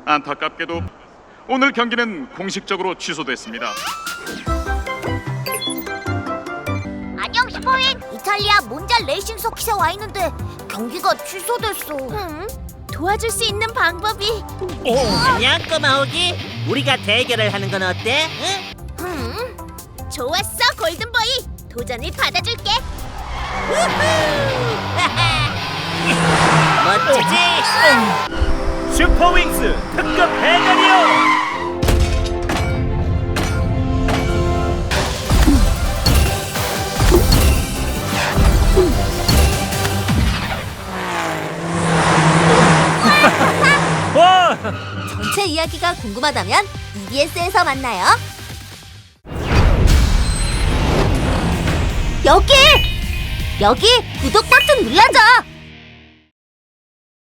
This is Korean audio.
안타깝게도 오늘 경기는 공식적으로 취소됐습니다. 안녕 슈퍼윙. 이탈리아 몬잘 레이싱 서킷에 와 있는데 경기가 취소됐어. 도와줄 수 있는 방법이. 안녕 꼬마 호기. 우리가 대결을 하는 건 어때? 응? 좋았어 골든보이. 도전을 받아줄게. 멋지지? 슈퍼윙스 특급 대결이요! 와! 전체 이야기가 궁금하다면 EBS에서 만나요. 여기 구독 버튼 눌러줘.